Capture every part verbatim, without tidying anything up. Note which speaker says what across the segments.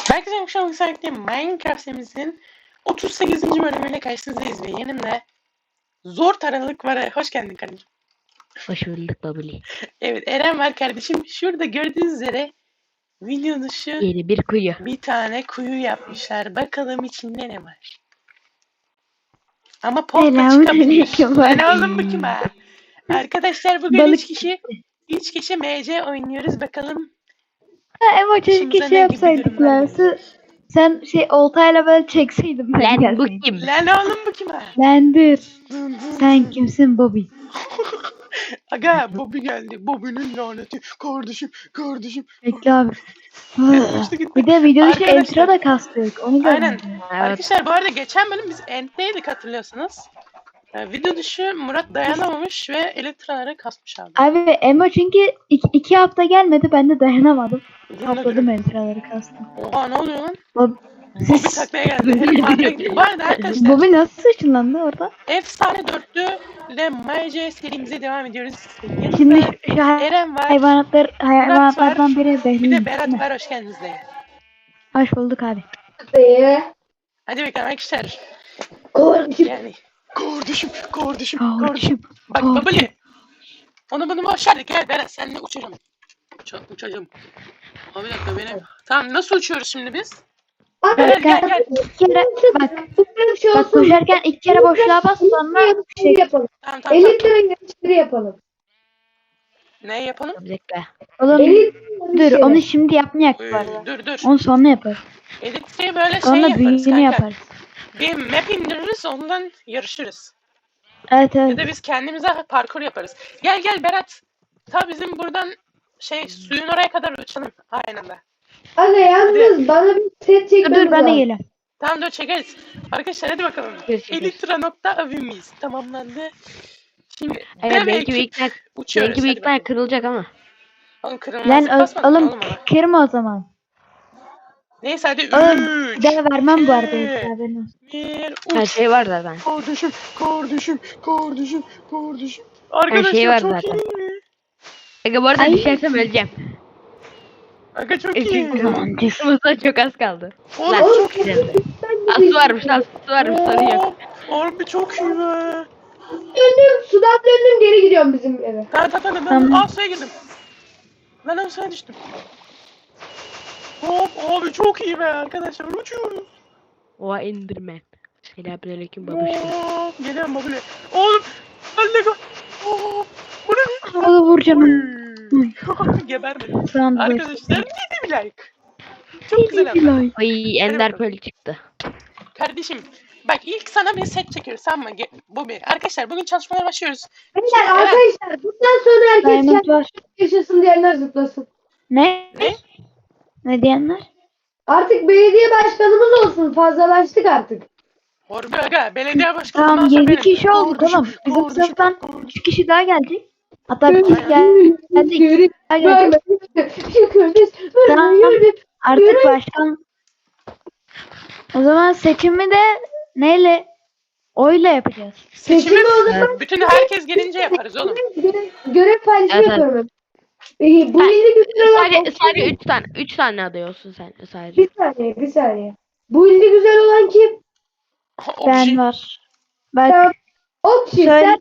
Speaker 1: Herkese hoş geldiniz. Minecraft serimizin otuz sekizinci bölümüyle karşınızdayız ve yanımda zor taralık var. Hoş geldin kardeşim.
Speaker 2: Hoş bulduk babuli.
Speaker 1: Evet, Eren var kardeşim. Şurada gördüğünüz üzere video dışı
Speaker 2: Yeni bir kuyu.
Speaker 1: bir tane kuyu yapmışlar. Bakalım içinde ne var. Ama pompa çıkabilir. Lan oğlum bu kim ha? Arkadaşlar bugün
Speaker 2: Balık
Speaker 1: üç kişi üç kişi M C oynuyoruz. Bakalım
Speaker 3: Ha, Emo keşke
Speaker 1: başımıza
Speaker 3: şey
Speaker 1: ne gibi
Speaker 3: yapsaydık
Speaker 1: durumlar
Speaker 3: lan.
Speaker 1: gelecek.
Speaker 3: Sen şey oltayla böyle çekseydim ben
Speaker 2: Lan bu
Speaker 3: gelseydim.
Speaker 2: kim?
Speaker 1: Lan oğlum bu kim ha?
Speaker 3: Bendir.
Speaker 1: Dın dın
Speaker 3: Sen
Speaker 1: dın.
Speaker 3: kimsin Bobby?
Speaker 1: Aga Bobby geldi. Bobby'nin laneti. Kardeşim, kardeşim.
Speaker 3: Bekle abi.
Speaker 1: Kaçtı gitti.
Speaker 3: Bir de video dışı
Speaker 1: Arkadaşlar-
Speaker 3: intro da kastık. Onu
Speaker 1: Aynen.
Speaker 3: görmedim.
Speaker 2: Evet.
Speaker 1: Arkadaşlar bu arada geçen bölüm biz Ent'teydik hatırlıyorsunuz. Ee, video dışı Murat dayanamamış ve elektraları kasmış abi.
Speaker 3: Abi Emo çünkü iki, iki hafta gelmedi. Ben de dayanamadım.
Speaker 1: Durun da
Speaker 3: Topladım
Speaker 1: durun.
Speaker 3: entraları kastım.
Speaker 1: Oha ne oluyor lan?
Speaker 3: Bob
Speaker 1: Bobby taklaya geldi. Herif markaya gidiyor. Bu arada arkadaşlar
Speaker 3: Bobby nasıl ışınlandı orada?
Speaker 1: efsane dörtlü ile M C serimize devam ediyoruz.
Speaker 3: Şimdi
Speaker 1: Yanımda
Speaker 3: şu, şu hay-
Speaker 1: Eren var.
Speaker 3: hayvanatlar, hayvanatlardan biri
Speaker 1: Bir de
Speaker 3: Behlül.
Speaker 1: Berat var. Hoş geldiniz de.
Speaker 3: Hoş bulduk abi.
Speaker 1: Hadi bakalım arkadaşlar.
Speaker 3: Kardeşim.
Speaker 1: Yani. Kardeşim, kardeşim, kardeşim.
Speaker 3: Kardeşim.
Speaker 1: Bak
Speaker 3: Kardeşim.
Speaker 1: babali. Onu bunu boş ver. Gel Berat seninle uçacağım. Uça, uçacağım. Abi bir dakika benim. Tamam nasıl uçuyoruz şimdi biz? Gel gel gel.
Speaker 3: İki kere bak. Bak koşarken iki kere boşluğa bas sonra şey
Speaker 4: yapalım.
Speaker 1: Tamam tamam.
Speaker 4: elli
Speaker 1: tamam.
Speaker 4: lira yarışları yapalım.
Speaker 1: Ne yapalım?
Speaker 2: Bekle.
Speaker 3: oğlum
Speaker 4: elli
Speaker 3: dur onu şimdi yapmayak
Speaker 1: Ee,
Speaker 3: bu arada.
Speaker 1: dur dur.
Speaker 3: Onu sonra yaparız.
Speaker 1: Edit'i böyle şey
Speaker 3: Sonra
Speaker 1: yaparız
Speaker 3: büyüğünü
Speaker 1: kanka.
Speaker 3: yaparız.
Speaker 1: Bir map indiririz ondan yarışırız.
Speaker 3: Evet
Speaker 1: Ya
Speaker 3: evet.
Speaker 1: da biz kendimize parkur yaparız. Gel gel Berat. Ta bizim buradan şey suyun oraya kadar uçalım. Aynen de.
Speaker 4: Anne yalnız bana bir set
Speaker 3: Dur
Speaker 4: çekmemiz
Speaker 3: dur ben de
Speaker 4: lazım.
Speaker 3: geliyorum.
Speaker 1: Tamam dur çekeriz. Arkadaşlar hadi bakalım.
Speaker 2: Görüşürüz.
Speaker 1: Elitra.avimiz tamamlandı. Şimdi
Speaker 2: Evet
Speaker 1: dev
Speaker 2: belki bir
Speaker 1: ekip
Speaker 2: ikna,
Speaker 1: uçuyoruz.
Speaker 2: belki bir
Speaker 1: Hadi
Speaker 2: ikna
Speaker 1: bakalım.
Speaker 2: kırılacak ama.
Speaker 1: Oğlum kırılmaz.
Speaker 3: Lan ö-
Speaker 1: Basmadın
Speaker 3: oğlum
Speaker 1: oğlum ona.
Speaker 3: kırma o zaman.
Speaker 1: Neyse hadi
Speaker 3: Oğlum
Speaker 1: üç.
Speaker 3: bir daha vermem bu arada.
Speaker 1: iki,
Speaker 3: haberin olsun.
Speaker 1: Bir
Speaker 2: Her
Speaker 1: uç.
Speaker 2: şey var zaten.
Speaker 1: Kardeşim, kardeşim, kardeşim, kardeşim.
Speaker 2: Her
Speaker 1: Arkadaşlar
Speaker 2: şey var
Speaker 1: çok
Speaker 2: zaten.
Speaker 1: iyi.
Speaker 2: Aga bu arada
Speaker 3: Ay.
Speaker 2: düşersem öleceğim.
Speaker 1: Aga çok
Speaker 2: E,
Speaker 1: iyi.
Speaker 2: Çünkü kısmımızda çok az kaldı.
Speaker 1: Oğlum
Speaker 2: Lan
Speaker 1: çok iyi.
Speaker 2: güzeldi. Aslı varmış lan su varmış sorun yok.
Speaker 1: Oo, Harbi çok iyi be.
Speaker 4: Döndüm sudan döndüm geri gidiyorum bizim eve.
Speaker 1: Tamam tamam tamam.
Speaker 3: Tamam.
Speaker 1: Aa suya girdim. Lan abi suya düştüm. Hop abi çok iyi be arkadaşlar uçuyoruz.
Speaker 2: Oha indirme. Selamünaleyküm babuşum.
Speaker 1: Hop geliyorum babule. Oğlum. Lan Lego. Hop. Bu ne?
Speaker 3: Oğlum vuracağım.
Speaker 1: Uy. Gebermedim.
Speaker 3: Tamam dur.
Speaker 1: Arkadaşlar yedi bir like. Çok güzel ama.
Speaker 2: Ay ender pearl çıktı.
Speaker 1: Kardeşim bak ilk sana bir set çekiyoruz tamam mı? Ge- Bu bir. Arkadaşlar bugün çalışmalara başlıyoruz.
Speaker 4: Beyler
Speaker 1: Evet.
Speaker 4: arkadaşlar bundan sonra herkes
Speaker 3: Diamond
Speaker 4: kendi
Speaker 3: var.
Speaker 4: yaşasın diyenler zıplasın.
Speaker 3: Ne?
Speaker 1: Ne?
Speaker 3: Ne diyenler?
Speaker 4: Artık belediye başkanımız olsun fazlalaştık artık.
Speaker 1: Harbi aga belediye başkanı.
Speaker 3: Tamam yedi kişi olduk oğlum. Bizim sınıftan üç kişi daha gelecek. Hatta bir kişi gel- geldi. iki kişi daha gelecek.
Speaker 4: Şükürüz.
Speaker 3: Tamam. Artık başkan. O zaman seçimi de neyle? Oyla yapacağız.
Speaker 1: Seçimi
Speaker 4: Seçimi o zaman
Speaker 1: bütün herkes gelince yaparız oğlum.
Speaker 4: görev, görev paylaşımı
Speaker 2: Evet, evet.
Speaker 4: yapıyorum. Ee, bu
Speaker 2: Ha,
Speaker 4: ilde güzel olan
Speaker 2: Sadece, sadece üç tane. üç tane adıyorsun sen sadece.
Speaker 4: bir saniye bir saniye. Bu ilde güzel olan kim?
Speaker 3: Ben
Speaker 1: Obji.
Speaker 3: var. Bak
Speaker 4: Tamam. Okşi
Speaker 3: Söyle.
Speaker 4: sen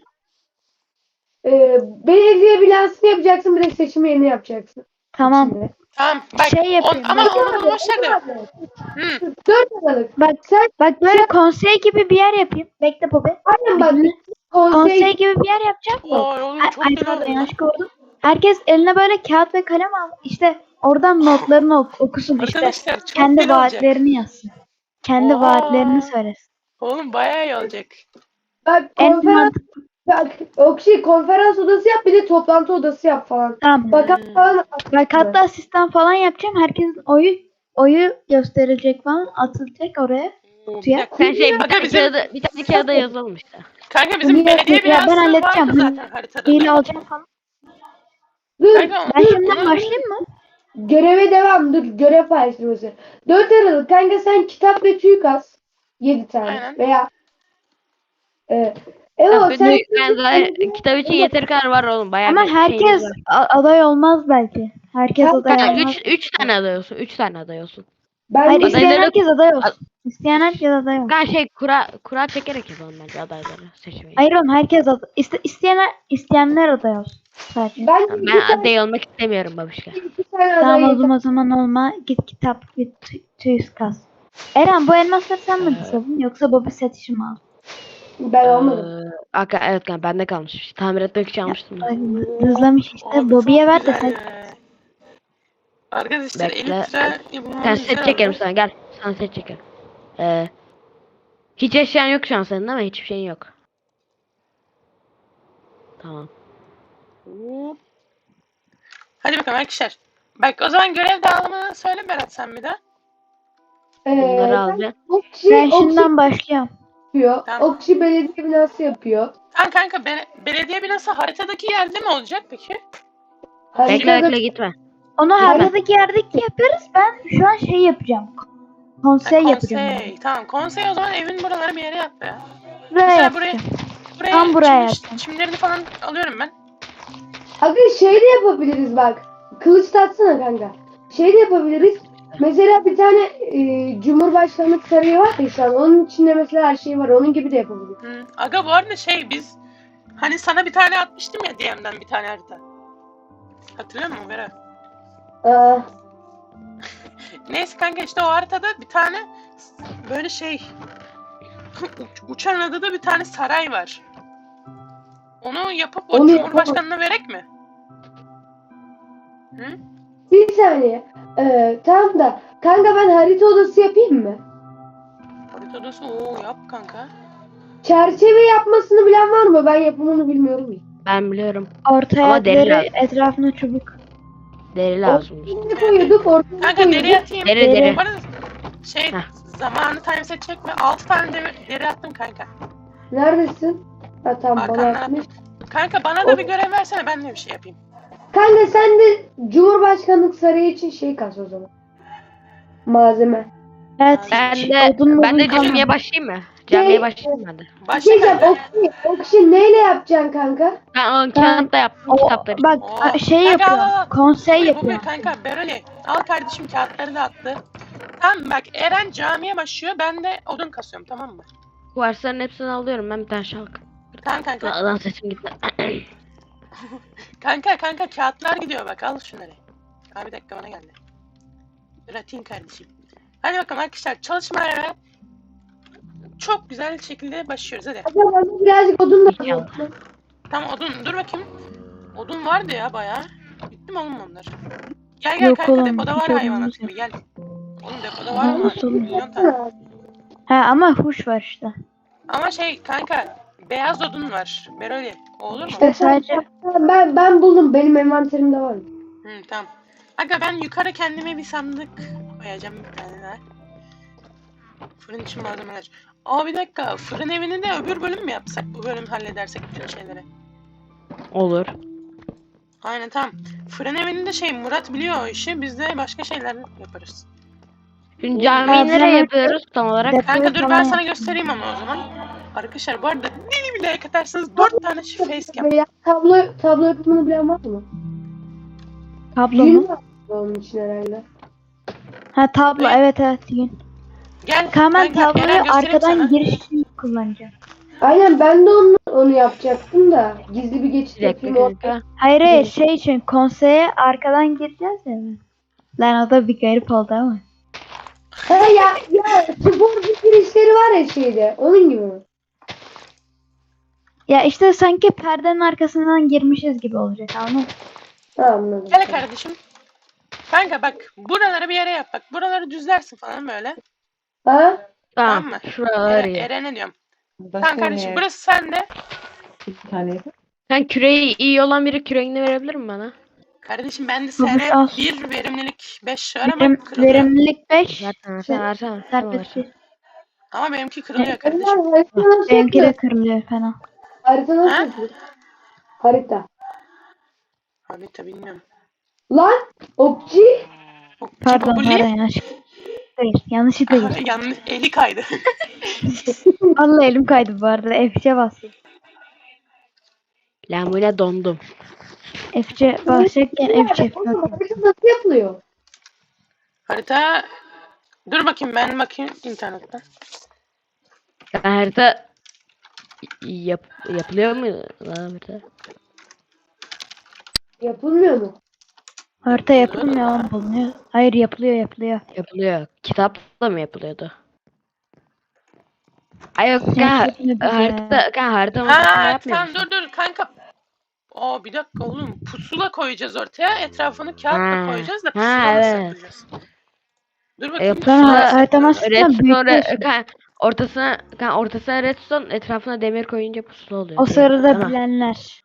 Speaker 4: e, belediye binasını yapacaksın bir de seçim yerini yapacaksın.
Speaker 3: tamam.
Speaker 4: Şimdi.
Speaker 1: Tamam bak
Speaker 3: Şey
Speaker 1: on,
Speaker 3: yapayım,
Speaker 1: ama
Speaker 3: bak.
Speaker 1: onu bunu boş ver de. Hı.
Speaker 4: dört Aralık.
Speaker 3: Bak
Speaker 4: Sen
Speaker 3: bak böyle konsey gibi bir yer yapayım. Bekle Bobby.
Speaker 4: aynen bak
Speaker 3: Konsey
Speaker 4: konsey
Speaker 3: gibi bir yer yapacağım.
Speaker 1: Vay oğlum
Speaker 3: Ay,
Speaker 1: çok
Speaker 3: ay
Speaker 1: güzel
Speaker 3: pardon
Speaker 1: oldu.
Speaker 3: yanlış gördüm. Herkes eline böyle kağıt ve kalem al. İşte oradan notlarını ok- okusun işte.
Speaker 1: Arkadaşlar çok
Speaker 3: Kendi
Speaker 1: güzel olacak.
Speaker 3: vaatlerini yazsın. Kendi
Speaker 1: Oo.
Speaker 3: vaatlerini söylesin.
Speaker 1: Oğlum bayağı iyi olacak.
Speaker 4: bak
Speaker 3: En
Speaker 4: konferans
Speaker 3: mantıklı.
Speaker 4: bak Okşi konferans odası yap bir de toplantı odası yap falan.
Speaker 3: Tamam.
Speaker 4: Bakan
Speaker 1: Hmm.
Speaker 4: falan.
Speaker 3: Bak hatta asistan falan yapacağım. Herkesin oyu oyu gösterilecek falan. Atılacak oraya.
Speaker 1: Oo, bir
Speaker 3: Suya.
Speaker 1: dakika.
Speaker 2: Sen şey bir
Speaker 1: Aga
Speaker 2: tane
Speaker 1: bizim-
Speaker 2: kağıda, bir tane kağıda yazalım işte.
Speaker 1: Kanka bizim
Speaker 4: Niye-
Speaker 1: belediye
Speaker 3: Ya ben
Speaker 1: binası
Speaker 3: halledeceğim.
Speaker 1: vardı zaten haritada.
Speaker 3: Hile alacağım falan.
Speaker 4: Dur
Speaker 1: Kanka,
Speaker 3: Ben
Speaker 1: dur,
Speaker 3: şimdiden
Speaker 1: onu-
Speaker 3: başlayayım mı?
Speaker 4: göreve devam dur görev paylaşması. dört Aralık kanka sen kitap ve tüy kas. yedi tane
Speaker 1: Aynen.
Speaker 4: veya e, Evo
Speaker 2: Ya,
Speaker 4: sen
Speaker 2: ben, ben zaten kitap için yeteri kadar var oğlum. Bayağı
Speaker 3: Ama
Speaker 2: bir şeyimiz
Speaker 3: herkes
Speaker 2: var.
Speaker 3: a- aday olmaz belki. Herkes
Speaker 4: Kanka,
Speaker 3: aday
Speaker 2: Ha,
Speaker 3: olmaz.
Speaker 2: üç, üç tane adıyorsun. Üç tane adıyorsun.
Speaker 4: Ben
Speaker 3: Hayır
Speaker 4: de-
Speaker 3: isteyen
Speaker 2: Adayları-
Speaker 3: herkes aday olsun. İsteyen herkes aday olsun.
Speaker 2: Ben şey kura kura çekerek yapalım bence adayları seçmeyi.
Speaker 3: Hayır oğlum herkes aday. İste, isteyen, isteyenler aday olsun. Sadece.
Speaker 4: ben
Speaker 2: Ben
Speaker 4: iki tane,
Speaker 2: aday olmak istemiyorum babişka.
Speaker 4: iki tane
Speaker 3: Tamam
Speaker 4: aday
Speaker 3: o
Speaker 4: yeter.
Speaker 3: zaman, o zaman olma. Git kitap git tü- tüyüz kas. Eren bu elmasları sen mi
Speaker 2: Ee,
Speaker 3: disadın yoksa Bobby set işi mi aldın?
Speaker 4: Ben olmadım.
Speaker 2: Ee, Aka, evet kanka bende kalmış. Tamir etmek için almıştım da.
Speaker 3: Ay, Hızlamış işte.
Speaker 1: Abi
Speaker 3: Bobby'ye
Speaker 1: çok
Speaker 3: ver de
Speaker 1: güzel
Speaker 3: set.
Speaker 1: ya. Arkadaşlar
Speaker 2: Bekle.
Speaker 1: Elytra
Speaker 2: Ben
Speaker 1: yapımı
Speaker 2: set
Speaker 1: güzel
Speaker 2: çekerim
Speaker 1: oldu.
Speaker 2: sana gel. Sana set çekerim. Ee, hiç eşyan yok şu an senin değil mi? Hiçbir şeyin yok. Tamam.
Speaker 1: Hop. Hadi bakalım arkadaşlar. Bak o zaman görev dağılımını söyle Berat sen bir de.
Speaker 2: Bunları
Speaker 4: Ee,
Speaker 2: alacağım.
Speaker 4: Okçu,
Speaker 3: Ben
Speaker 4: okçu
Speaker 3: şimdiden başlıyorum.
Speaker 4: yapıyor.
Speaker 1: Tamam.
Speaker 4: Okçu belediye binası yapıyor.
Speaker 1: Tamam kanka be- belediye binası haritadaki yerde mi olacak peki?
Speaker 2: Bekle
Speaker 4: Haritada
Speaker 2: bekle gitme.
Speaker 3: Onu
Speaker 2: Gitme.
Speaker 3: haritadaki yerdeki yaparız. Ben şu an şey yapacağım. Konsey
Speaker 1: Ha,
Speaker 3: yapacağım.
Speaker 1: konsey. Tamam konsey o zaman evin buraları bir yere yap be.
Speaker 3: Buraya
Speaker 1: Mesela buraya,
Speaker 3: yapacağım.
Speaker 1: buraya,
Speaker 3: Tam buraya
Speaker 1: çim-
Speaker 3: yapacağım.
Speaker 1: çimlerini falan alıyorum ben.
Speaker 4: Abi şey de yapabiliriz bak. Kılıç tatsana kanka. Şey de yapabiliriz. Mesela bir tane e, Cumhurbaşkanlık sarayı var ya şu an. Onun içinde mesela her şey var. Onun gibi de yapabiliriz.
Speaker 1: Hı. Aga bu arada şey biz hani sana bir tane atmıştım ya D M'den bir tane harita. Hatırlıyor musun Berat?
Speaker 4: Aa,
Speaker 1: Neyse kanka işte o haritada bir tane böyle şey uç- uçan adada bir tane saray var. Onu yapıp o
Speaker 4: Onu
Speaker 1: Cumhurbaşkanına verek mi? Hı?
Speaker 4: bir saniye. Ee, tamam da kanka ben harita odası yapayım mı?
Speaker 1: Harita odası ooo yap kanka.
Speaker 4: Çerçeve yapmasını bilen var mı? Ben yapımını bilmiyorum ya.
Speaker 2: Ben biliyorum.
Speaker 3: Ortaya
Speaker 2: Ama deri
Speaker 3: deri,
Speaker 2: lazım.
Speaker 3: etrafına çubuk.
Speaker 2: Deri lazım.
Speaker 4: Ortaya koyuyorduk, ortaya
Speaker 1: Kanka deri
Speaker 4: koyuyorduk.
Speaker 1: atayım.
Speaker 2: Deri deri.
Speaker 1: Bu arada şey
Speaker 2: Heh.
Speaker 1: zamanı timeset çekme. altı tane deri, deri attım kanka.
Speaker 4: Neredesin? Ha tamam bana
Speaker 1: Arkandan
Speaker 4: atmış.
Speaker 1: attım. Kanka bana da bir görev versene ben de bir şey yapayım.
Speaker 4: Kanka sen de Cumhurbaşkanlık sarayı için şey kas o zaman. Malzeme.
Speaker 3: Evet.
Speaker 2: Ben
Speaker 3: hiç
Speaker 2: de
Speaker 3: odun
Speaker 2: ben de
Speaker 3: modun kalmadı.
Speaker 2: camiye başlayayım mı? Camiye başlayayım ben de.
Speaker 4: Bir
Speaker 1: Başla
Speaker 4: şey diyeceğim.
Speaker 1: kanka.
Speaker 4: Okşi, Okşi neyle yapacaksın kanka?
Speaker 2: Ben o kağıtta yaptım
Speaker 3: O,
Speaker 2: kitapları.
Speaker 3: bak
Speaker 1: Oo.
Speaker 3: a- şey
Speaker 1: Kanka, al,
Speaker 3: yapıyor.
Speaker 1: al, al.
Speaker 3: Konsey
Speaker 1: Bu bir
Speaker 3: yapıyor.
Speaker 1: kanka Beroli. Al kardeşim kağıtları da attı. Tamam bak Eren camiye başlıyor ben de odun kasıyorum tamam mı?
Speaker 2: Kuvarsların hepsini alıyorum ben bir tane şalk.
Speaker 1: Tamam kanka.
Speaker 2: Lan sesim gitti.
Speaker 1: Kanka kanka kağıtlar gidiyor bak al şunları. Abi bir dakika bana geldi. Dur atayım kardeşim. Hadi bakalım arkadaşlar çalışmaya çok güzel şekilde başlıyoruz hadi.
Speaker 4: Hadi bana birazcık odun da
Speaker 2: İnşallah.
Speaker 1: Tamam odun dur bakayım. Odun vardı ya bayağı. Bitti mi oğlum onlar? Gel gel
Speaker 3: Yok
Speaker 1: kanka
Speaker 3: oğlum,
Speaker 1: depoda var
Speaker 3: hiç
Speaker 1: hayvanat
Speaker 3: odunumuz
Speaker 1: gibi gel. Oğlum depoda var mı?
Speaker 3: Nasıl oğlum?
Speaker 1: Milyon tane.
Speaker 3: Ha ama huş var işte.
Speaker 1: Ama şey kanka beyaz odun var. Beroli. O olur mu?
Speaker 3: İşte sadece
Speaker 4: Ben ben buldum. Benim envanterimde var.
Speaker 1: Hı, tamam. Aga ben yukarı kendime bir sandık koyacağım bir tane daha. Fırın için malzemeler. Aa bir dakika fırın evini de öbür bölüm mü yapsak? Bu bölüm halledersek bütün şeyleri.
Speaker 2: Olur.
Speaker 1: Aynen tamam. Fırın evini de şey Murat biliyor o işi. Biz de başka şeyler yaparız.
Speaker 2: Şimdi camiyi
Speaker 3: Malzeme-
Speaker 2: nereye yapıyoruz tam olarak?
Speaker 3: Depoyu
Speaker 1: Kanka dur ben
Speaker 3: falan
Speaker 1: sana
Speaker 3: yap.
Speaker 1: göstereyim ama o zaman. Arkadaşlar bu arada beni bile katarsanız dört tane şu facecam.
Speaker 4: Veya tablo tablo yapımını bilen var mı?
Speaker 3: Tablo
Speaker 4: Yün
Speaker 3: mu?
Speaker 4: var onun için herhalde.
Speaker 3: Ha tablo
Speaker 1: Ne?
Speaker 3: evet evet yün.
Speaker 1: Gel.
Speaker 3: Kamen
Speaker 1: kanka, Eren
Speaker 3: tabloyu
Speaker 1: göstereyim
Speaker 3: arkadan
Speaker 1: sana.
Speaker 3: giriş için kullanacağım.
Speaker 4: Aynen ben de onu onu yapacaktım da gizli bir geçit
Speaker 2: Bir dakika
Speaker 4: yapayım orada.
Speaker 2: kanka.
Speaker 3: Hayır hayır şey için konseye arkadan gireceğiz ya. Lan o da bir garip oldu ama.
Speaker 4: Ha ya ya sporcu girişleri var ya şeyde. Onun gibi mi?
Speaker 3: Ya işte sanki perdenin arkasından girmişiz gibi olacak anladın mı?
Speaker 4: Ha anladım.
Speaker 1: Gel kardeşim. Kanka bak buraları bir yere yap bak. Buraları düzlersin falan böyle.
Speaker 4: Ha?
Speaker 1: Tamam
Speaker 2: Tamam.
Speaker 1: mı?
Speaker 2: Şuralar
Speaker 1: Eren,
Speaker 2: iyi.
Speaker 1: Eren'e diyorum.
Speaker 5: Başka
Speaker 1: Tamam kardeşim
Speaker 5: ne?
Speaker 1: burası sende.
Speaker 5: Bir tane.
Speaker 2: Sen küreği iyi olan biri küreğini verebilir mi bana?
Speaker 1: Kardeşim bende
Speaker 3: Babuş
Speaker 1: S N
Speaker 3: al.
Speaker 1: bir verimlilik beş var ama
Speaker 3: Verim,
Speaker 1: kırılıyor.
Speaker 3: verimlilik beş.
Speaker 2: Versene versene versene. Tamam,
Speaker 3: Serbest
Speaker 2: versene.
Speaker 3: bir.
Speaker 1: Ama benimki kırılıyor
Speaker 4: Onlar
Speaker 1: kardeşim.
Speaker 4: harita nasıl
Speaker 3: Benimki de
Speaker 4: yapılıyor?
Speaker 3: kırılıyor fena.
Speaker 4: Harita nasıl
Speaker 1: Ha?
Speaker 4: yapılıyor? Harita.
Speaker 1: Abi tabi bilmiyorum.
Speaker 4: Lan okçu.
Speaker 1: O
Speaker 3: Pardon
Speaker 1: Cibobuli-
Speaker 3: pardon yanlışlıkla değil. Yanlışlıkla değil.
Speaker 1: Yanlış eli kaydı.
Speaker 3: Vallahi elim kaydı bu arada. F üç'e bastım.
Speaker 2: Lan bu ne dondum.
Speaker 3: F üç'e basacakken F üç F
Speaker 4: Oğlum
Speaker 3: dört.
Speaker 4: harita nasıl yapılıyor?
Speaker 1: Harita Dur bakayım ben bakayım internetten.
Speaker 2: Yani harita yap, yapılıyor mu lan harita?
Speaker 4: Yapılmıyor mu?
Speaker 3: Harita
Speaker 1: Yapılıyor da.
Speaker 3: yapılmıyor, bulunuyor. Hayır, yapılıyor, yapılıyor.
Speaker 2: Yapılıyor. Kitapla mı yapılıyordu? Ay yok
Speaker 3: Sen
Speaker 2: kan
Speaker 3: yapma bize.
Speaker 2: harita kan harita ortasında
Speaker 1: Ha
Speaker 2: yapmıyor
Speaker 1: tamam
Speaker 2: musun?
Speaker 1: dur dur kanka. Aa bir dakika oğlum pusula koyacağız ortaya. Etrafını kağıtla
Speaker 2: Ha.
Speaker 1: koyacağız da
Speaker 2: Ha,
Speaker 1: pusula nasıl
Speaker 2: evet.
Speaker 1: yapacağız? Dur
Speaker 2: E,
Speaker 1: bakayım
Speaker 2: Yapılan
Speaker 1: pusula
Speaker 3: Sonra
Speaker 1: nasıl
Speaker 3: harita
Speaker 1: yapılıyordu?
Speaker 3: masasından
Speaker 2: redstone
Speaker 3: büyütüyorsun.
Speaker 2: kan ortasına kan ortasına redstone etrafına demir koyunca pusula oluyor
Speaker 3: O
Speaker 2: diye.
Speaker 3: sırada
Speaker 2: Ama
Speaker 3: bilenler.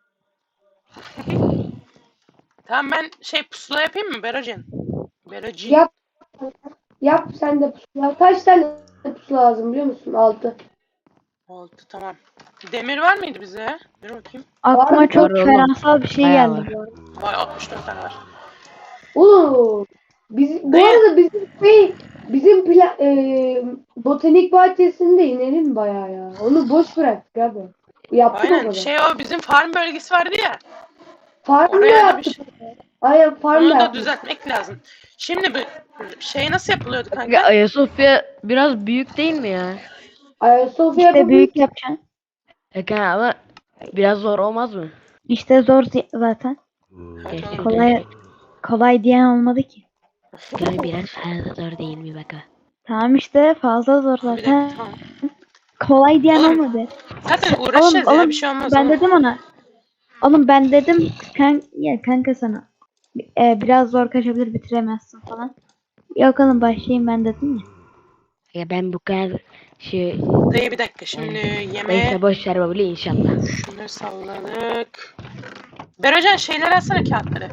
Speaker 1: Tamam ben şey pusula yapayım mı Berojen? Berocin.
Speaker 4: Yap. Yap sen de pusula. Kaç tane pusula lazım biliyor musun? Altı.
Speaker 1: Oldu tamam. Demir var mıydı bize? Dur bakayım.
Speaker 3: Aklıma
Speaker 4: Var,
Speaker 3: çok
Speaker 2: var oğlum.
Speaker 3: feransal bir şey
Speaker 2: Bayağı
Speaker 3: geldi
Speaker 2: var.
Speaker 3: bu arada.
Speaker 1: Vay altmış dört tane var.
Speaker 4: Oo. Biz, bu
Speaker 1: Dayı.
Speaker 4: arada bizim şey, bizim pla, e, botanik bahçesinde inelim bayağı ya. Onu boş bıraktık abi. Yaptık o
Speaker 1: Aynen
Speaker 4: kadar.
Speaker 1: şey o bizim farm bölgesi vardı ya.
Speaker 4: Farm da
Speaker 1: Oraya da bir
Speaker 4: yaptık.
Speaker 1: şey.
Speaker 4: Aynen farm
Speaker 1: Onu
Speaker 4: da
Speaker 1: da
Speaker 4: yaptık.
Speaker 1: düzeltmek lazım. Şimdi bu şey nasıl yapılıyordu
Speaker 2: Ya
Speaker 1: kanka?
Speaker 2: Ayasofya biraz büyük değil mi ya?
Speaker 4: Ayasofya
Speaker 3: İşte büyük
Speaker 4: yapabiliriz.
Speaker 3: yapacaksın.
Speaker 2: Ya kan ama biraz zor olmaz mı?
Speaker 3: İşte zor zi- zaten.
Speaker 1: Evet
Speaker 2: Gerçekten
Speaker 1: oğlum.
Speaker 3: Kolay kolay diyen olmadı ki.
Speaker 2: yani biraz fazla zor değil mi baka?
Speaker 3: Tamam işte fazla zor
Speaker 1: Bir dakika
Speaker 3: zaten.
Speaker 1: tamam.
Speaker 3: Kolay diyen
Speaker 1: Oğlum,
Speaker 3: olmadı.
Speaker 1: Zaten
Speaker 3: Oğlum
Speaker 1: uğraşacağız ya
Speaker 3: oğlum
Speaker 1: bir şey olmaz
Speaker 3: ben
Speaker 1: oğlum.
Speaker 3: dedim ona. Oğlum ben dedim kan ya kanka sana. E, biraz zor kaçabilir bitiremezsin falan. Yok oğlum başlayayım ben dedim ya.
Speaker 2: Ya ben bu kadar şey
Speaker 1: Dayı bir dakika şimdi yemeğe
Speaker 2: neyse boş ver babuli inşallah.
Speaker 1: şunu salladık. Berocan şeyleri alsana kağıtları.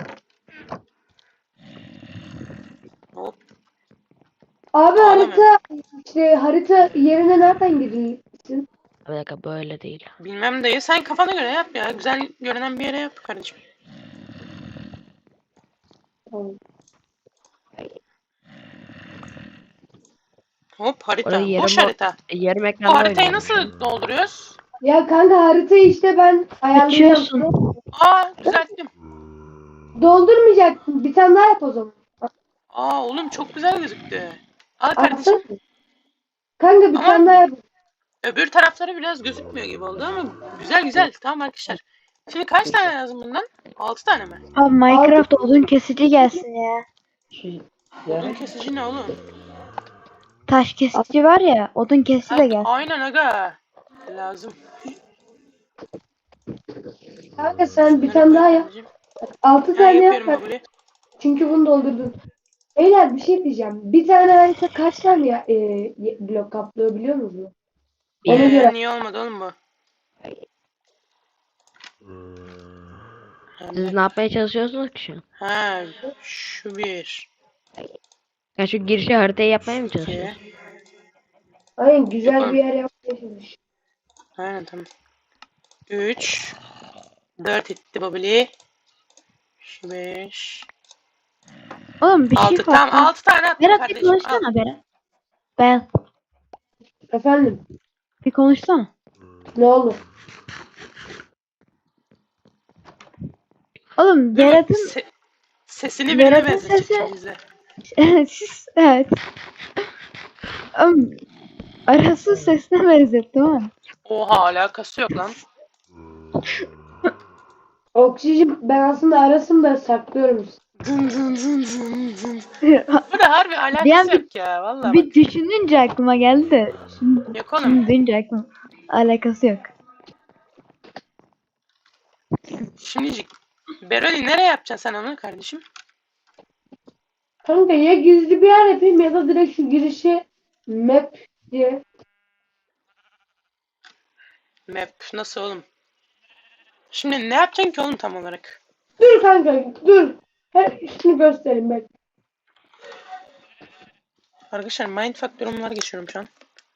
Speaker 1: Hop.
Speaker 4: Abi
Speaker 1: Ağlamıyorum.
Speaker 4: harita işte harita yerine nereden gidiyorsun?
Speaker 2: Bir dakika böyle değil.
Speaker 1: Bilmem dayı sen kafana göre yap ya. Güzel görünen bir yere yap kardeşim.
Speaker 4: Tamam.
Speaker 1: Hop harita.
Speaker 2: Orada yarım
Speaker 1: Boş
Speaker 2: o-
Speaker 1: harita.
Speaker 2: yarım
Speaker 1: Bu
Speaker 2: ekranda
Speaker 1: haritayı
Speaker 2: oynuyorum şu an.
Speaker 1: nasıl dolduruyoruz?
Speaker 4: Ya kanka haritayı işte ben ayarlayacağım.
Speaker 3: Açıyorsun.
Speaker 1: Aa düzelttim.
Speaker 4: Doldurmayacaksın. Bir tane daha yap o zaman.
Speaker 1: Aa oğlum çok güzel gözüktü. Al kardeşim.
Speaker 4: Atsana. Kanka bir
Speaker 1: Ama-
Speaker 4: tane daha yap.
Speaker 1: Öbür tarafları biraz gözükmüyor gibi oldu ama güzel güzel. Tamam arkadaşlar. Şimdi kaç tane lazım bundan? altı tane mi?
Speaker 3: Abi Minecraft odun kesici gelsin ya.
Speaker 5: Şu
Speaker 1: Odun
Speaker 5: yarım
Speaker 1: kesici ne oğlum?
Speaker 3: Taş kesici var ya odun kesici de
Speaker 1: Ha,
Speaker 3: gelsin.
Speaker 1: aynen aga. Lazım.
Speaker 4: Kanka sen bir
Speaker 1: Bunları
Speaker 4: tane
Speaker 1: koy
Speaker 4: daha yap.
Speaker 1: kardeşim.
Speaker 4: Altı
Speaker 1: Ha,
Speaker 4: tane yap.
Speaker 1: yapıyorum babuli.
Speaker 4: Çünkü bunu doldurdun. Beyler bir şey diyeceğim. Bir tane harita kaç tane ya, e, ye- blok kaplıyor biliyor musunuz? Ona
Speaker 1: Ee,
Speaker 4: göre.
Speaker 1: niye olmadı oğlum bu?
Speaker 2: Siz ne yapmaya çalışıyorsunuz ki şu an?
Speaker 1: Ha, şu bir.
Speaker 2: Ya şu girişi haritayı yapmaya mı
Speaker 1: iki.
Speaker 2: çalışıyorsunuz?
Speaker 4: Aynen güzel
Speaker 1: Yapalım.
Speaker 4: bir yer yapmaya çalış.
Speaker 1: Aynen tamam. üç. dört etti babuli. Şu beş.
Speaker 3: Oğlum bir şey
Speaker 1: altı.
Speaker 3: fark
Speaker 1: Tamam altı tane attım
Speaker 3: Berat bir
Speaker 1: kardeşim. Al.
Speaker 3: konuşsana Berat. Ben
Speaker 4: Efendim
Speaker 3: bir konuşsana.
Speaker 4: ne oldu?
Speaker 3: Oğlum
Speaker 1: Değil mi?
Speaker 3: Berat'ın
Speaker 1: Se- sesini birine
Speaker 3: Berat'ın
Speaker 1: benzetecek
Speaker 3: sesi-
Speaker 1: şimdi bize.
Speaker 3: siz evet. Oğlum arası sesine benzettim ama.
Speaker 1: Oha alakası yok lan.
Speaker 4: Oksijen ben aslında arasında saklıyorum.
Speaker 1: Dın dın dın dın dın.
Speaker 3: bir
Speaker 1: Bu da harbi alakası
Speaker 3: an bir-
Speaker 1: yok ya vallahi bak.
Speaker 3: bir düşününce aklıma geldi de. Şimdi,
Speaker 1: Yok oğlum.
Speaker 3: şimdi duyunca aklıma alakası yok.
Speaker 1: Şimdicik. Beroli nereye yapacaksın sen onu kardeşim?
Speaker 4: Kanka ya gizli bir yer yapayım ya da direkt şu girişi map diye.
Speaker 1: Map nasıl oğlum? Şimdi ne yapacaksın ki oğlum tam olarak?
Speaker 4: Dur kanka dur. Her şunu göstereyim ben.
Speaker 1: Arkadaşlar mindfuck durumlar geçiyorum şu an.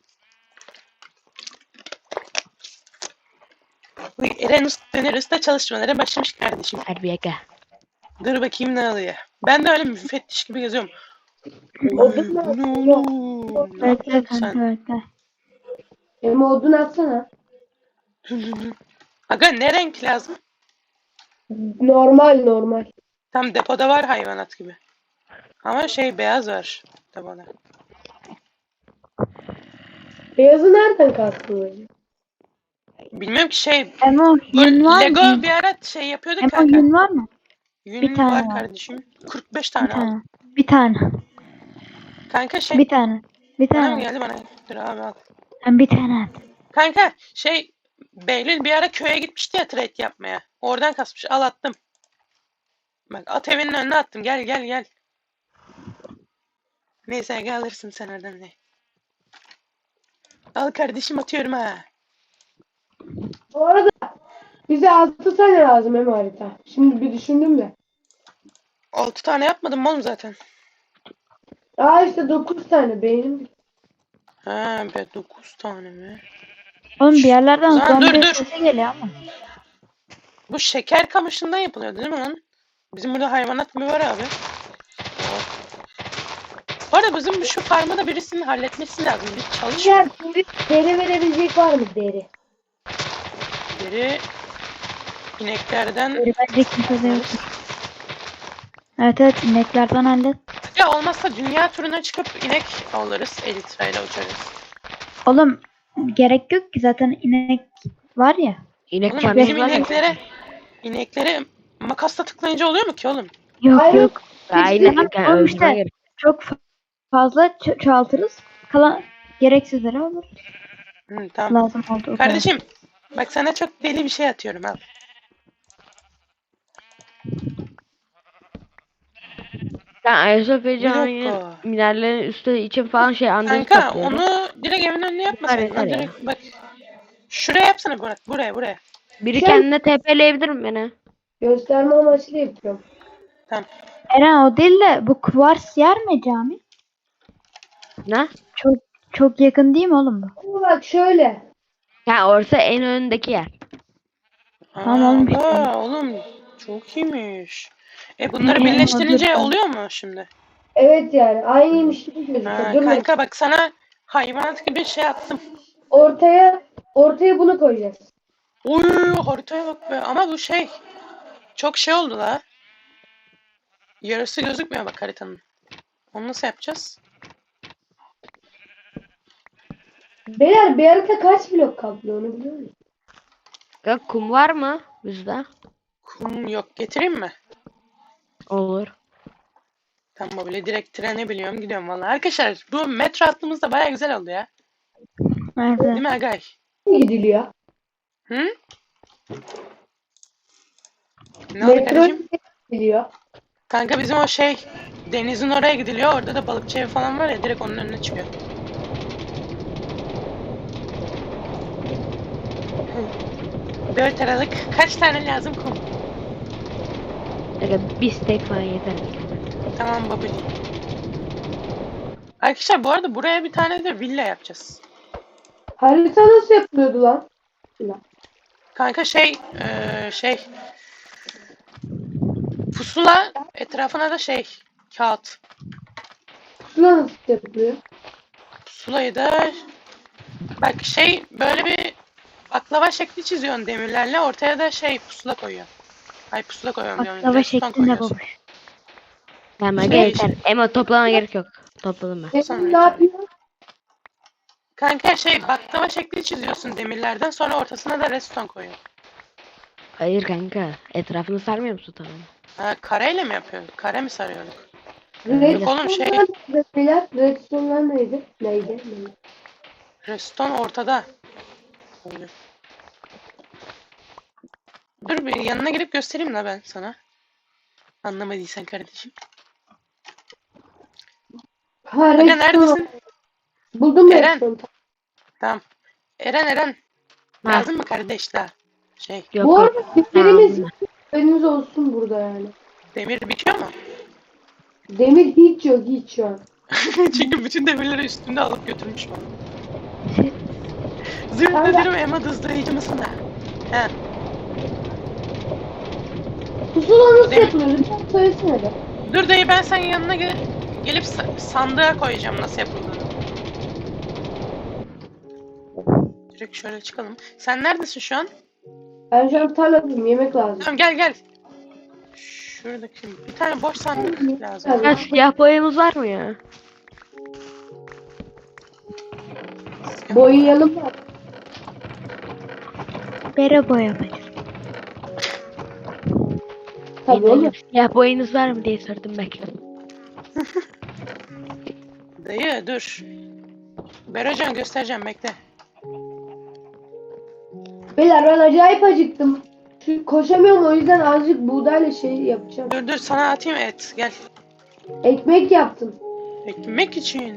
Speaker 1: Uy, Eren Eren Usta çalışmalara başlamış kardeşim.
Speaker 2: Hadi bir dakika.
Speaker 1: Dur bakayım ne alıyor. Ben de öyle müfettiş gibi geziyorum.
Speaker 4: Odun
Speaker 1: Oy, bu ne
Speaker 4: mu?
Speaker 1: oğlum? Ne
Speaker 3: Bekle
Speaker 1: yapıyorsun
Speaker 3: kanka
Speaker 1: sen?
Speaker 3: bekle.
Speaker 4: Benim odun atsana.
Speaker 1: Aga ne renk lazım?
Speaker 4: Normal normal.
Speaker 1: Tam depoda var hayvanat gibi. Ama şey beyaz var depoda.
Speaker 4: Beyazı nereden kastın hocam?
Speaker 1: Bilmiyorum ki şey.
Speaker 3: Emo
Speaker 1: Bu
Speaker 3: yün var
Speaker 1: Lego
Speaker 3: mı?
Speaker 1: bir ara şey yapıyorduk
Speaker 3: Emo
Speaker 1: kanka.
Speaker 3: yün var mı?
Speaker 1: Yün
Speaker 3: bir tane
Speaker 1: var
Speaker 3: var.
Speaker 1: kardeşim. kırk beş
Speaker 3: Bir
Speaker 1: tane al.
Speaker 3: tane. Bir tane.
Speaker 1: Kanka şey.
Speaker 3: Bir tane. Bir
Speaker 1: Bana mı
Speaker 3: tane.
Speaker 1: geldi bana? Dur abi al.
Speaker 3: Sen bir tane at.
Speaker 1: Kanka şey. Behlül bir ara köye gitmişti ya trade yapmaya. Oradan kasmış. Al attım. Bak at evinin önüne attım. Gel gel gel. Neyse gel alırsın sen oradan ne. Al kardeşim atıyorum ha.
Speaker 4: Bu arada bize altı tane lazım hem harita. Şimdi bir düşündüm de.
Speaker 1: altı tane yapmadım mı oğlum zaten?
Speaker 4: Aa işte dokuz tane beynim.
Speaker 1: Ha be dokuz tane mi?
Speaker 3: Oğlum bir yerlerden
Speaker 1: O zaman dur,
Speaker 3: zombi
Speaker 1: dur.
Speaker 3: sesi geliyor ama.
Speaker 1: Bu şeker kamışından yapılıyor değil mi lan? Bizim burada hayvanat mı var abi? Bu arada bizim şu farmı da birisinin halletmesi lazım. Biz çalışmıyor.
Speaker 4: Diğer deri, deri verebilecek var mı deri?
Speaker 1: Biri ineklerden
Speaker 3: Biri bence kimse de yok. Evet evet ineklerden hallet.
Speaker 1: ya olmazsa dünya turuna çıkıp inek alırız. Elytra ile uçarız.
Speaker 3: Oğlum gerek yok ki zaten inek var ya.
Speaker 2: İnek
Speaker 1: Oğlum
Speaker 2: kendimiz
Speaker 1: bizim
Speaker 2: var ya.
Speaker 1: ineklere ineklere makasla tıklayınca oluyor mu ki oğlum?
Speaker 3: Yok
Speaker 4: Hayır.
Speaker 3: yok.
Speaker 2: Aynen.
Speaker 3: Tamam,
Speaker 2: Yani
Speaker 3: oğlum
Speaker 2: öldürmen
Speaker 3: işte
Speaker 2: gerek.
Speaker 3: çok fa- fazla ço- çoğaltırız. Kalan gereksizleri olur.
Speaker 1: Hı, tamam.
Speaker 3: Lazım oldu o kadar.
Speaker 1: Kardeşim bak sana çok deli bir şey atıyorum al.
Speaker 2: Sen Ayasofya
Speaker 1: Bir
Speaker 2: Camii'nin
Speaker 1: dakika.
Speaker 2: minerlerin üstü için falan şey andırıp
Speaker 1: Kanka
Speaker 2: topluyorum.
Speaker 1: onu direkt evin önüne yapmasaydın.
Speaker 2: Yeter,
Speaker 1: Lan
Speaker 2: yeter ya.
Speaker 1: direkt bak. Şuraya yapsana Burak. Buraya buraya.
Speaker 2: Biri
Speaker 4: Sen-
Speaker 2: kendine TP'leyebilir mi beni?
Speaker 4: Gösterme amaçlı yapıyorum.
Speaker 1: Tamam.
Speaker 3: Eren o değil de bu kuvars yer mi cami?
Speaker 2: Ne?
Speaker 3: Çok çok yakın değil mi oğlum bu?
Speaker 4: Ama bak şöyle.
Speaker 2: Ha orası en önündeki yer.
Speaker 3: Tamam oğlum, bir
Speaker 1: Aa,
Speaker 3: şey.
Speaker 1: oğlum çok iyiymiş. E bunları
Speaker 3: Ne,
Speaker 1: birleştirince
Speaker 3: olabilir.
Speaker 1: oluyor mu şimdi?
Speaker 4: Evet yani aynıymış gibi gözüküyor.
Speaker 1: Ha,
Speaker 4: Dur bak.
Speaker 1: kanka bak sana hayvanat gibi şey attım.
Speaker 4: Ortaya ortaya bunu koyacağız.
Speaker 1: Oy haritaya bak be. Ama bu şey çok şey oldu la. Yarısı gözükmüyor bak haritanın. Onu nasıl yapacağız?
Speaker 4: Beyler bir harita kaç blok kaplıyor onu biliyor musun?
Speaker 2: Ya kum var mı bizde?
Speaker 1: Kum yok. Getireyim mi?
Speaker 2: Olur.
Speaker 1: Tamam böyle direkt trene biliyorum gidiyorum vallahi. Arkadaşlar bu metro hattımız da baya güzel oldu ya.
Speaker 3: Evet.
Speaker 1: Değil mi Agay?
Speaker 4: Gidiliyor.
Speaker 1: Hı? Ne oldu
Speaker 4: Metro
Speaker 1: kardeşim?
Speaker 4: gidiliyor.
Speaker 1: Kanka bizim o şey denizin oraya gidiliyor. Orada da balıkçı evi falan var ya direkt onun önüne çıkıyor. Dört aralık kaç tane lazım kum?
Speaker 2: Öyle bir steak falan yeter.
Speaker 1: Tamam babacığım. Arkadaşlar bu arada buraya bir tane de villa yapacağız.
Speaker 4: Harita nasıl yapılıyordu lan? Lan.
Speaker 1: Kanka şey eee, şey pusula etrafına da şey kağıt.
Speaker 4: Pusula nasıl yapılıyor?
Speaker 1: Pusulayı da bak şey böyle bir baklava şekli çiziyorsun demirlerle ortaya da şey pusula koyuyorsun. Ay pusula koyuyorum diyorum.
Speaker 3: Baklava
Speaker 1: Redstone
Speaker 3: şeklinde
Speaker 1: koyuyorsun.
Speaker 3: babuş.
Speaker 2: Tamam
Speaker 1: Şey-
Speaker 2: yeter. Ama toplama gerek yok. Topladım ben.
Speaker 1: Sonra
Speaker 4: Benim ne yapıyor?
Speaker 1: Kanka şey baklava şekli çiziyorsun demirlerden sonra ortasına da redstone koyuyorsun.
Speaker 2: Hayır kanka. Etrafını sarmıyor musun tamam?
Speaker 1: Ha, kareyle mi yapıyorduk? Kare mi sarıyorduk?
Speaker 4: Redstone'lar
Speaker 1: oğlum, şey-
Speaker 4: neydi beyler? Redstone'lar neydi? Neydi? Neydi?
Speaker 1: Redstone ortada. Koydum. Dur bir yanına gelip göstereyim la ben sana. Anlamadıysan kardeşim.
Speaker 4: Ha
Speaker 1: Aga
Speaker 4: redstone.
Speaker 1: neredesin?
Speaker 4: Buldum
Speaker 1: Eren.
Speaker 4: redstone.
Speaker 1: Tamam. Eren Eren.
Speaker 2: Ha.
Speaker 1: Lazım mı kardeşler? Şey
Speaker 2: Yok
Speaker 4: Bu
Speaker 2: yok.
Speaker 4: arada demirimiz
Speaker 2: Tamam.
Speaker 4: haberiniz olsun burada yani.
Speaker 1: demir bitiyor mu?
Speaker 4: Demir hiç yok hiç şu an.
Speaker 1: Çünkü bütün demirleri üstünde alıp götürmüş bana.
Speaker 3: Şey-
Speaker 1: Zırh
Speaker 4: Kanka.
Speaker 1: nedir Emma hızlayıcı mısın da? He.
Speaker 4: Pusula nasıl
Speaker 1: Demir-
Speaker 4: yapılıyor? Lütfen söylesene de.
Speaker 1: Dur dayı ben senin yanına gel gelip sa- sandığa koyacağım nasıl yapıldığını. Direkt şöyle çıkalım. Sen neredesin şu an?
Speaker 4: Ben şu an tarladayım yemek lazım.
Speaker 1: Tamam gel gel. Şuradaki bir tane boş sandık lazım.
Speaker 2: Ya siyah boyamız var mı ya?
Speaker 4: Boyayalım mı?
Speaker 3: Bere boyamayız.
Speaker 4: Tabii
Speaker 2: Benim
Speaker 4: oğlum.
Speaker 2: siyah boyunuz var mı diye sordum belki.
Speaker 1: Dayı dur. Berocan göstereceğim bekle.
Speaker 4: Beyler ben acayip acıktım. Şu, koşamıyorum, o yüzden azıcık buğdayla şey yapacağım.
Speaker 1: Dur dur sana atayım et. Gel.
Speaker 4: Ekmek yaptım.
Speaker 1: Ekmek için.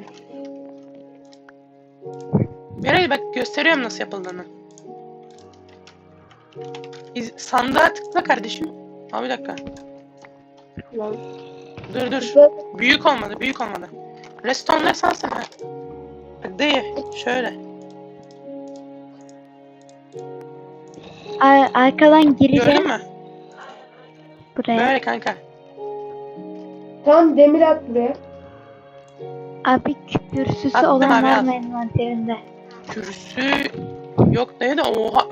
Speaker 1: Beray bak gösteriyorum nasıl yapıldığını. İz- sandığa tıkla kardeşim. Aa bir dakika.
Speaker 4: Lan.
Speaker 1: Dur dur. Büyük olmadı büyük olmadı. Restonları sansın ha. Bak dayı şöyle.
Speaker 3: Ar- arkadan gireceğim
Speaker 1: Gördün mü?
Speaker 3: buraya.
Speaker 1: Böyle kanka.
Speaker 4: Tamam, demir at buraya.
Speaker 3: Abi kürsüsü
Speaker 1: Attım
Speaker 3: olan
Speaker 1: abi,
Speaker 3: var
Speaker 1: al.
Speaker 3: mı envanterinde?
Speaker 1: Kürsü yok dayı da oha.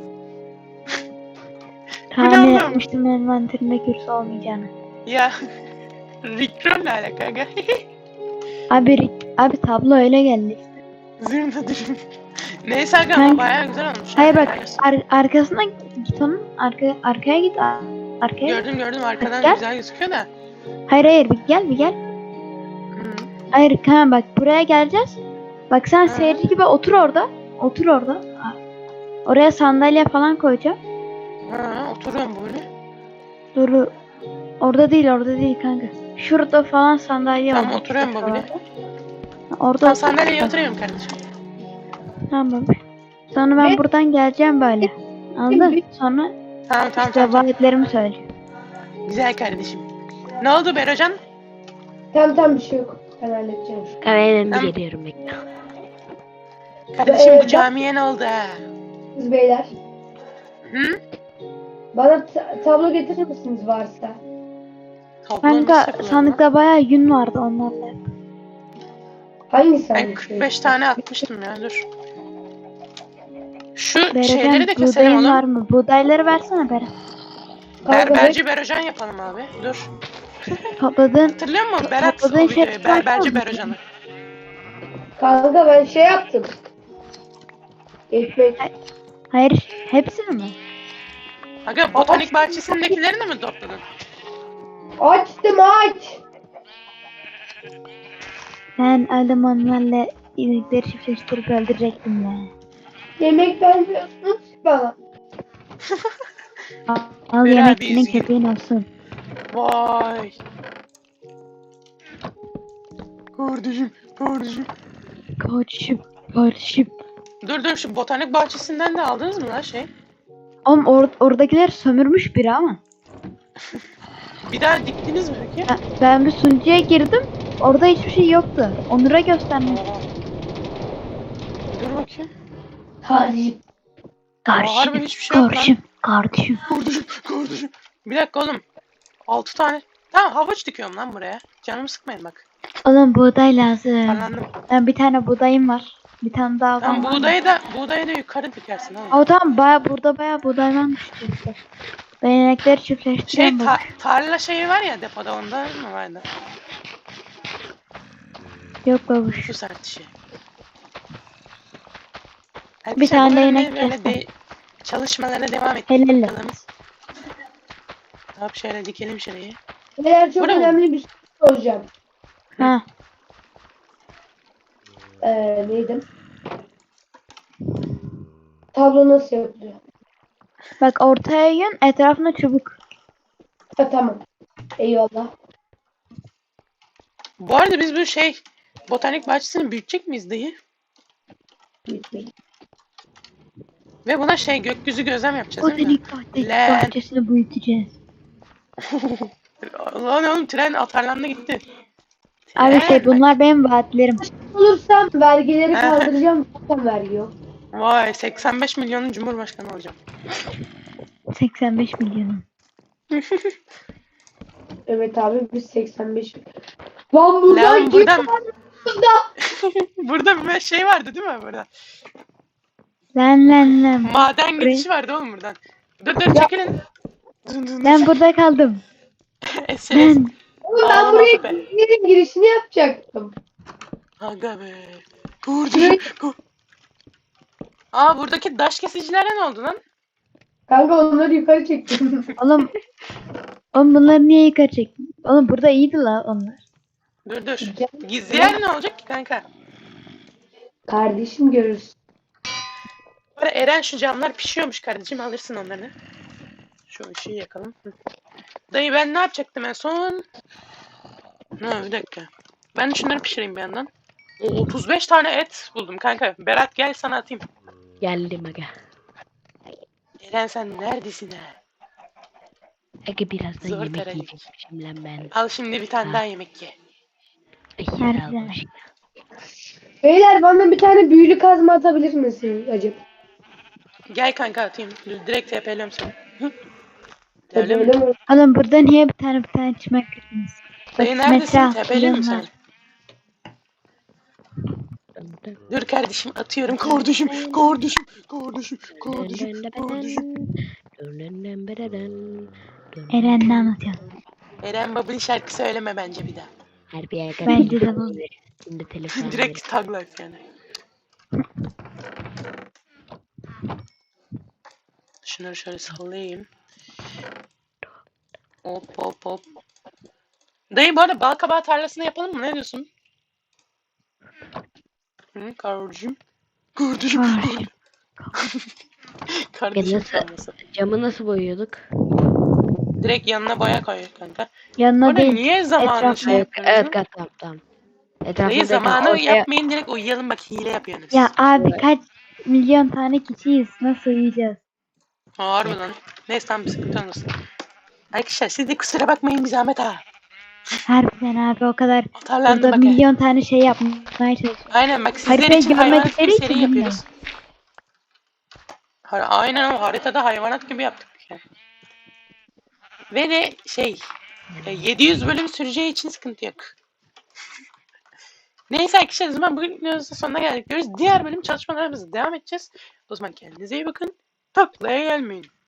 Speaker 3: Tahmin
Speaker 1: oğlum?
Speaker 3: etmiştim envanterinde kürsü olmayacağını.
Speaker 1: Ya. Rickroll'la alakalı kanka.
Speaker 3: Abi abi tablo öyle geldi.
Speaker 1: Zırna dürüm. Neyse aga
Speaker 3: Kanka-
Speaker 1: ama bayağı güzel olmuş.
Speaker 3: Hayır bak
Speaker 1: Helal olsun.
Speaker 3: ar- arkasına git onun arka arkaya git ar- arkaya. git.
Speaker 1: Gördüm gördüm arkadan
Speaker 3: Gel.
Speaker 1: güzel gözüküyor da.
Speaker 3: Hayır hayır bir gel bir gel.
Speaker 1: Hı.
Speaker 3: Hayır Kaan bak buraya geleceğiz. Bak sen
Speaker 1: Hı.
Speaker 3: seyirci gibi otur orada. Otur orada. Oraya sandalye falan koyacağım.
Speaker 1: Ha, oturuyorum böyle.
Speaker 3: Dur. Orada değil orada değil kanka. Şurada falan sandalye
Speaker 1: Tamam,
Speaker 3: olacak
Speaker 1: oturuyorum
Speaker 3: işte
Speaker 1: babili.
Speaker 3: şuralarda. Orada
Speaker 1: Tamam
Speaker 3: otur.
Speaker 1: sandalyeye oturuyorum kardeşim.
Speaker 3: Tamam. Sonra ben
Speaker 4: Ve-
Speaker 3: buradan geleceğim böyle. Anladın? Sonra
Speaker 1: Tamam tamam
Speaker 3: işte
Speaker 1: tamam. tamam.
Speaker 3: vaatlerimi söyleyeceğim.
Speaker 1: Güzel kardeşim. Ne oldu Berocan?
Speaker 4: Tamam tamam, bir şey yok. Ben halledeceğim.
Speaker 2: Ben de
Speaker 1: Tamam.
Speaker 2: geliyorum bekle.
Speaker 1: Kardeşim
Speaker 4: Ee,
Speaker 1: bu camiye ne oldu ha?
Speaker 4: Siz beyler.
Speaker 1: Hı?
Speaker 4: Bana ta- tablo getirir misiniz varsa?
Speaker 1: Tablo nasıl
Speaker 3: Kanka
Speaker 1: yapılıyor lan?
Speaker 3: sandıkta bayağı yün vardı onlarla.
Speaker 4: Hangi
Speaker 1: Ben
Speaker 4: sandık?
Speaker 1: kırk beş tane atmıştım ya dur. Şu şeyleri
Speaker 3: Bereken
Speaker 1: de keselim
Speaker 3: buğdayın var
Speaker 1: oğlum.
Speaker 3: mı? Buğdayları versene Beren.
Speaker 4: Kanka,
Speaker 1: Berberci Berocan yapalım abi. Dur.
Speaker 3: Topladığın
Speaker 1: Hatırlıyor musun Berat o
Speaker 3: Topladığın şey
Speaker 1: videoyu? Berberci
Speaker 3: var mı?
Speaker 1: Berocan'ı.
Speaker 4: Kanka ben şey yaptım. Ekmek.
Speaker 3: hayır hepsini mi?
Speaker 1: Aga botanik bahçesindekilerini mi topladın?
Speaker 4: Açtım aç.
Speaker 3: Ben adam onlarla inekleri çiftleştirip öldürecektim ya.
Speaker 4: Yemek vermiyorsunuz ki bana.
Speaker 3: Al
Speaker 1: Ver
Speaker 3: yemek
Speaker 1: abi,
Speaker 3: senin
Speaker 1: üzgün.
Speaker 3: köpeğin olsun.
Speaker 1: Vay. Kardeşim, kardeşim.
Speaker 3: Kardeşim, kardeşim.
Speaker 1: Dur dur şu botanik bahçesinden de aldınız mı lan şey?
Speaker 3: Oğlum or oradakiler sömürmüş biri ama.
Speaker 1: Bir daha diktiniz mi peki?
Speaker 3: Ben, ben bir sunucuya girdim. Orada hiçbir şey yoktu. Onur'a göstermiş.
Speaker 1: Oha. Dur bakayım.
Speaker 4: Hadi.
Speaker 1: harbi hiçbir şey yok lan.
Speaker 3: kardeşim, kardeşim.
Speaker 1: Kardeşim, kardeşim. Bir dakika oğlum. Altı tane. Tamam havuç dikiyorum lan buraya. Canımı sıkmayın bak.
Speaker 3: Oğlum buğday lazım.
Speaker 1: Anladım.
Speaker 3: Ben bir tane buğdayım var. Bir tane daha
Speaker 1: Tamam
Speaker 3: var mı?
Speaker 1: buğdayı da buğdayı da yukarı dikersin oğlum.
Speaker 3: O tamam baya burada baya buğday varmış işte. Ben inekleri
Speaker 1: Şey
Speaker 3: çiftleştireceğim
Speaker 1: ta-
Speaker 3: bak.
Speaker 1: tarla şeyi var ya depoda onda mı vardı?
Speaker 3: Yok babuş.
Speaker 1: Su sertişi.
Speaker 3: Bir tane
Speaker 1: böyle,
Speaker 3: inek
Speaker 1: böyle
Speaker 3: kestim.
Speaker 1: de çalışmalara devam et.
Speaker 3: Helal
Speaker 1: Bakalım. Hop şöyle dikelim şurayı.
Speaker 4: Beyler çok
Speaker 1: Bu ne?
Speaker 4: önemli bir şey soracağım.
Speaker 3: Ha.
Speaker 4: Ee, neydi? Tablo nasıl yapılıyor?
Speaker 3: Bak ortaya yün etrafına çubuk.
Speaker 4: Ha, tamam. Eyvallah.
Speaker 1: Bu arada biz bu şey botanik bahçesini büyütecek miyiz dayı?
Speaker 4: Bitmeyin.
Speaker 1: Ve buna şey gökyüzü gözlem yapacağız
Speaker 3: O
Speaker 1: değil mi?
Speaker 3: delik bahçesi,
Speaker 1: Lan.
Speaker 3: bahçesini büyüteceğiz.
Speaker 1: Lan oğlum tren atarlandı gitti.
Speaker 3: Abi
Speaker 1: Tren.
Speaker 3: şey bunlar benim vaatlerim.
Speaker 4: Olursam vergileri kaldıracağım. Zaten vergi yok.
Speaker 1: Vay seksen beş milyonun cumhurbaşkanı olacağım.
Speaker 3: seksen beş milyonum.
Speaker 4: Evet abi, biz seksen beş. Lan buradan
Speaker 1: Lan
Speaker 4: git.
Speaker 1: buradan
Speaker 4: Burada.
Speaker 1: burada bir şey vardı değil mi burada?
Speaker 3: Lan lan lan.
Speaker 1: Maden
Speaker 3: Buraya-
Speaker 1: geçişi vardı oğlum buradan. Dur dur çekilin. Dın dın.
Speaker 3: Ben burada kaldım.
Speaker 1: Es es.
Speaker 3: Ben.
Speaker 4: Oğlum ben
Speaker 1: Ağlama
Speaker 4: buraya
Speaker 1: be.
Speaker 4: yerin girişini yapacaktım.
Speaker 1: Aga be. Kardeşim. kar- Aa buradaki daş kesicilere ne oldu lan?
Speaker 4: Kanka onları yukarı çektim.
Speaker 3: Oğlum, oğlum bunları niye yukarı çektin? Oğlum burada iyiydi la onlar.
Speaker 1: Dur dur.
Speaker 4: Gel.
Speaker 1: Gizli yer ne olacak ki kanka?
Speaker 4: Kardeşim görürsün.
Speaker 1: Bu arada Eren şu camlar pişiyormuş kardeşim, alırsın onları. Şu ışığı yakalım. Hı. Dayı ben ne yapacaktım en son? Ha bir dakika. Ben şunları pişireyim bir yandan. O otuz beş tane et buldum kanka. Berat gel sana atayım.
Speaker 2: Geldim aga.
Speaker 1: Eren sen neredesin ha?
Speaker 2: Aga birazdan
Speaker 1: Zor
Speaker 2: yemek
Speaker 1: teralik.
Speaker 2: yiyecekmişim lan ben.
Speaker 1: Al şimdi bir tane
Speaker 2: Ha.
Speaker 1: daha yemek ye.
Speaker 2: Ay,
Speaker 3: Nerede?
Speaker 2: sağ ol, hoş-
Speaker 4: Beyler bana bir tane büyülü kazma atabilir misin acaba?
Speaker 1: Gel kanka atayım. Direkt T P'liyorum seni. Hı.
Speaker 4: Hadi
Speaker 1: Öyle mi?
Speaker 4: öyle mi?
Speaker 3: Oğlum burada niye bir tane bir tane çimen kırdınız?
Speaker 1: Dayı
Speaker 3: Bak,
Speaker 1: neredesin?
Speaker 3: metre
Speaker 1: T P'liyim mi
Speaker 3: milyonlar.
Speaker 1: seni? Dur kardeşim atıyorum. Kardeşim, kardeşim, kardeşim, kardeşim, kardeşim.
Speaker 3: Eren ne anlatıyorsun?
Speaker 1: Eren Baba'nın şarkı söyleme bence bir daha.
Speaker 2: Harbi aga.
Speaker 3: Bence de bu.
Speaker 2: Şimdi telefon
Speaker 1: Direkt tag life yani. Şunları şöyle sallayayım. Hop hop hop. Dayı bu arada bal kabağı tarlasını yapalım mı? Ne diyorsun? Hı, kardeşim. Kardeşim.
Speaker 3: Kardeşim.
Speaker 1: Kardeşim
Speaker 2: nasıl-
Speaker 1: tarlası.
Speaker 2: Camı nasıl boyuyorduk?
Speaker 1: Direkt yanına boya koy kanka. Bu
Speaker 3: Yanına
Speaker 1: arada
Speaker 3: değil.
Speaker 1: niye zamanı
Speaker 3: etrafına.
Speaker 1: şey
Speaker 2: Evet,
Speaker 1: yapıyorsunuz?
Speaker 2: evet
Speaker 1: lan?
Speaker 2: kat tamam tamam.
Speaker 1: Dayı
Speaker 2: Etrafında
Speaker 1: zamanı
Speaker 2: ortaya-
Speaker 1: yapmayın, direkt uyuyalım bak, hile yapıyorsunuz.
Speaker 3: Ya abi kaç milyon tane kişiyiz. Nasıl uyuyacağız?
Speaker 1: Harbi lan. Neyse tamam bir sıkıntı olmasın. Arkadaşlar siz de kusura bakmayın bir zahmet ha.
Speaker 3: Harbiden abi o kadar
Speaker 1: Atarlandım
Speaker 3: burada
Speaker 1: bak. ha.
Speaker 3: milyon tane şey yapmaya çalışıyoruz.
Speaker 1: Aynen bak sizler
Speaker 3: Haritayı
Speaker 1: için hayvanat
Speaker 3: görmedikleri
Speaker 1: gibi
Speaker 3: için
Speaker 1: seri
Speaker 3: bilmiyorum.
Speaker 1: yapıyoruz. Ha- Aynen o haritada hayvanat gibi yaptık. Yani. Ve de şey e, yedi yüz bölüm süreceği için sıkıntı yok. Neyse arkadaşlar o zaman bugün videomuzun sonuna geldik diyoruz. Diğer bölüm çalışmalarımıza devam edeceğiz. O zaman kendinize iyi bakın. Taklaya gelmeyin.